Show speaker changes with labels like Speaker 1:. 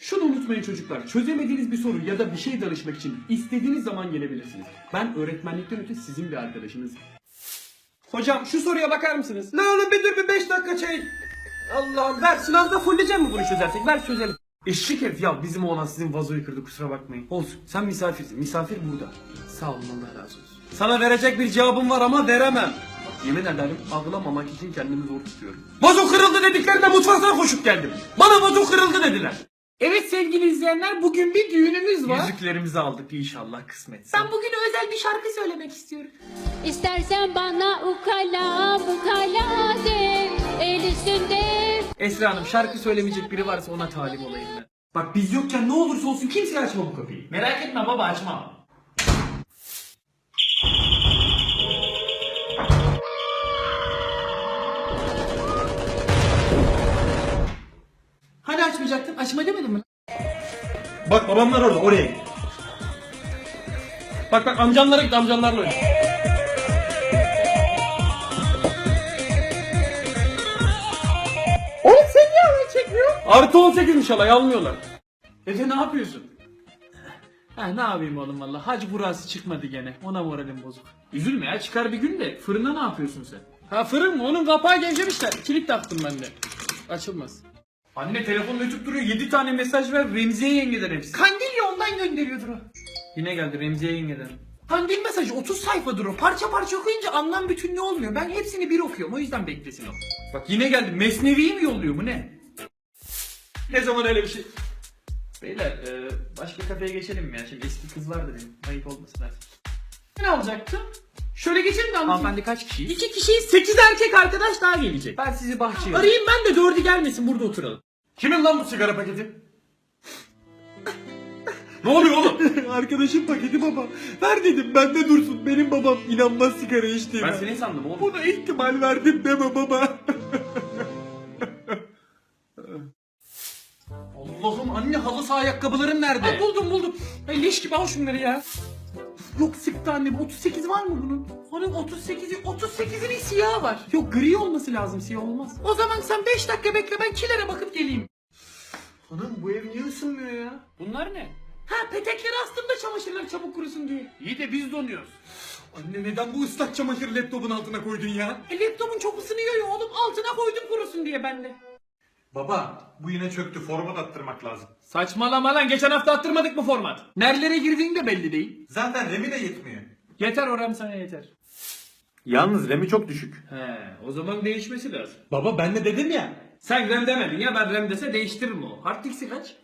Speaker 1: Şunu unutmayın çocuklar, çözemediğiniz bir soru ya da bir şey danışmak için istediğiniz zaman gelebilirsiniz. Ben öğretmenlikten öte sizin bir arkadaşınız. Hocam şu soruya bakar mısınız?
Speaker 2: Ne oğlum bir dur bir 5 dakika çay. Allah'ım ver sınavda fulleyeceğim mi bunu çözersek? Ver çözelim.
Speaker 1: Eşek herif ya, bizim oğlan sizin vazoyu kırdı, kusura bakmayın. Olsun, sen misafirsin, misafir burada. Sağ olun, Allah razı olsun.
Speaker 2: Sana verecek bir cevabım var ama veremem.
Speaker 1: Yemin ederim ağlamamak için kendimi zor tutuyorum.
Speaker 2: Vazo kırıldı dediklerinde mutfaktan koşup geldim. Bana vazo kırıldı dediler.
Speaker 1: Evet sevgili izleyenler, bugün bir düğünümüz var.
Speaker 2: Yüzüklerimizi aldık inşallah kısmetse.
Speaker 1: Ben bugün özel bir şarkı söylemek istiyorum.
Speaker 3: İstersen bana ukala bukala de, el üstünde.
Speaker 1: Esra Hanım, şarkı söylemeyecek biri varsa ona talip olayım ben.
Speaker 2: Bak biz yokken ne olursa olsun kimseye açma bu kapıyı.
Speaker 1: Merak etme baba, açmam.
Speaker 2: Hani açmayacaktın? Açma demedin mi?
Speaker 1: Bak babamlar orada, oraya git. Bak amcanlara git, amcanlarla oyna. Oğlum sen niye alay çekmiyor? Artı 18'miş alay, almıyorlar. Efe ne yapıyorsun? Ne yapayım oğlum valla, hac burası çıkmadı gene, ona moralim bozuk. Üzülme ya, çıkar bir gün de. Fırına ne yapıyorsun sen? Ha fırın mı? Onun kapağı gevşemişler, kilit taktım ben de. Açılmaz. Anne telefonla ötüp duruyor, 7 tane mesaj ver, Remziye yengeden hepsi.
Speaker 2: Kandilya ondan gönderiyordur o.
Speaker 1: Yine geldi Remziye yengeden.
Speaker 2: Kandil mesajı 30 sayfadır o. Parça parça okuyunca anlam bütünlüğü olmuyor. Ben hepsini bir okuyorum o yüzden beklesin o.
Speaker 1: Bak yine geldi, Mesnevi'yi mi yolluyor mu ne? Ne zaman öyle bir şey? Beyler başka kafeye geçelim mi ya? Şimdi eski kızlar da benim, ayıp olmasın artık.
Speaker 2: Ne alacaktım? Şöyle geçelim de anlatayım.
Speaker 1: Hanımefendi kaç kişiyiz?
Speaker 2: 2 kişiyiz 8 erkek arkadaş daha gelecek.
Speaker 1: Ben sizi bahçeye
Speaker 2: Arayayım ben de 4'ü gelmesin burada oturalım.
Speaker 1: Kimin lan bu sigara paketi? Ne oluyor oğlum?
Speaker 2: Arkadaşım paketi baba. Ver dedim bende dursun. Benim babam inanmaz sigara içtiğime.
Speaker 1: Ben seni sandım oğlum.
Speaker 2: Buna ihtimal verdim deme baba.
Speaker 1: Allah'ım anne, halı saha ayakkabıların nerede?
Speaker 2: Ha, buldum. Ay, leş gibi al şunları ya. Yok sıktı annem. 38 var mı bunun? Onun 38'inin siyahı var. Yok gri olması lazım, siyah olmaz. O zaman sen 5 dakika bekle, ben kilere bakıp geleyim.
Speaker 1: Hanım bu ev niye ısınmıyor ya? Bunlar ne?
Speaker 2: Ha petekleri astım da çamaşırlar çabuk kurusun diye.
Speaker 1: İyi de biz donuyoruz.
Speaker 2: Anne neden bu ıslak çamaşırı laptopun altına koydun ya? Laptopun çok ısınıyor ya oğlum, altına koydum kurusun diye ben de.
Speaker 4: Baba bu yine çöktü, format attırmak lazım.
Speaker 1: Saçmalama lan, geçen hafta attırmadık mı format? Nerelere girdiğin de belli değil.
Speaker 4: Zaten RAM'i de yetmiyor.
Speaker 1: Yeter oram, sana yeter.
Speaker 4: Yalnız RAM'i çok düşük.
Speaker 1: He, o zaman değişmesi lazım.
Speaker 2: Baba ben de dedim ya.
Speaker 1: Sen RAM demedin ya, ben RAM dese değiştiririm o. Hard disk'i kaç?